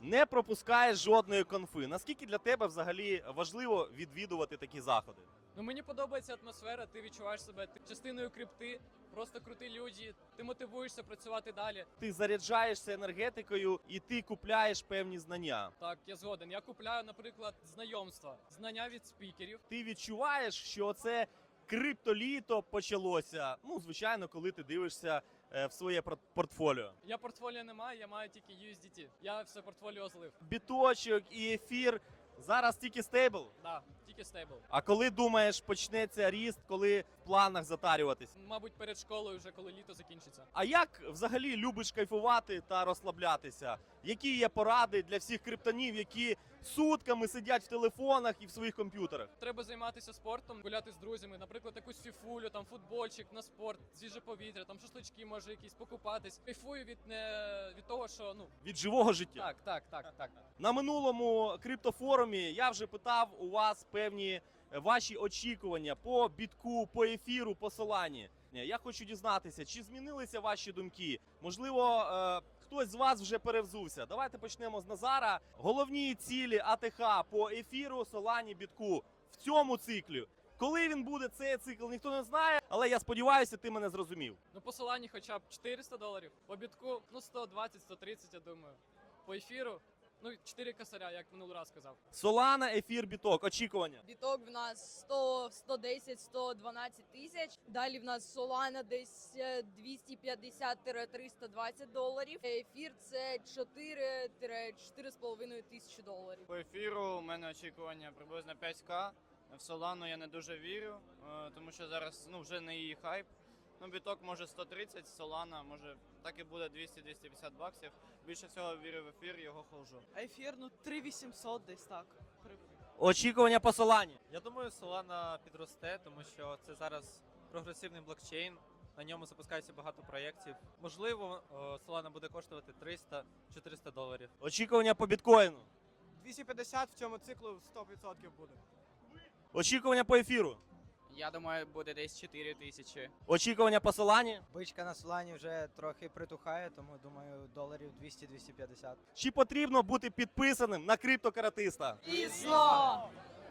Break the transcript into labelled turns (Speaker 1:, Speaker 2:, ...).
Speaker 1: не пропускаєш жодної конфи. Наскільки для тебе взагалі важливо відвідувати такі заходи?
Speaker 2: Ну мені подобається атмосфера, ти відчуваєш себе частиною крипти, просто круті люди, ти мотивуєшся працювати далі.
Speaker 1: Ти заряджаєшся енергетикою і ти купляєш певні знання.
Speaker 2: Так, я згоден. Я купляю, наприклад, знання від спікерів.
Speaker 1: Ти відчуваєш, що це криптоліто почалося. Ну, звичайно, коли ти дивишся в своє портфоліо.
Speaker 2: Я портфоліо не маю, я маю тільки USDT. Я все портфоліо злив.
Speaker 1: Біточок і ефір зараз тільки стейбл.
Speaker 2: Да, тільки стейбл.
Speaker 1: А коли думаєш, почнеться ріст, коли в планах затарюватись?
Speaker 2: Мабуть, перед школою, вже коли літо закінчиться.
Speaker 1: А як взагалі любиш кайфувати та розслаблятися? Які є поради для всіх криптонів, які сутками сидять в телефонах і в своїх комп'ютерах?
Speaker 2: Треба займатися спортом, гуляти з друзями, наприклад, якусь фіфулю, там футбольчик на спорт, свіже повітря, там шашлички може якісь покупатись. Кайфую від того, що
Speaker 1: Від живого життя.
Speaker 2: Так.
Speaker 1: На минулому криптофорумі я вже питав у вас певні ваші очікування по бітку, по ефіру, по Солані. Я хочу дізнатися, чи змінилися ваші думки? Можливо, хтось з вас вже перевзувся. Давайте почнемо з Назара. Головні цілі АТХ по ефіру, Солані, бітку в цьому циклі. Коли він буде, цей цикл, ніхто не знає, але я сподіваюся, ти мене зрозумів.
Speaker 2: Ну по Солані хоча б $400, по бітку 120-130, я думаю. По ефіру 4 косаря, як минулий раз казав.
Speaker 1: Солана, ефір, біток. Очікування.
Speaker 3: Біток в нас 100, 110, 112 тисяч. Далі в нас Solana десь $250-320. Ефір це 4-4,5 тисячі доларів.
Speaker 4: По ефіру у мене очікування приблизно 5К. В Солану я не дуже вірю, тому що зараз вже не її хайп. Біток може 130, Солана може так і буде 200-250 баксів. Більше всього вірю в ефір, його ходжу.
Speaker 5: Ефір, 3800 десь так.
Speaker 1: Очікування по Солані.
Speaker 6: Я думаю, Solana підросте, тому що це зараз прогресивний блокчейн. На ньому запускається багато проєктів. Можливо, Solana буде коштувати $300-400.
Speaker 1: Очікування по біткоїну.
Speaker 5: 250 в цьому циклу 100% буде.
Speaker 1: Очікування по ефіру.
Speaker 7: Я думаю, буде десь 4 тисячі.
Speaker 1: Очікування по Солані.
Speaker 8: Бичка на Солані вже трохи притухає, тому думаю, доларів 200-250.
Speaker 1: Чи потрібно бути підписаним на криптокаратиста?
Speaker 3: Звісно!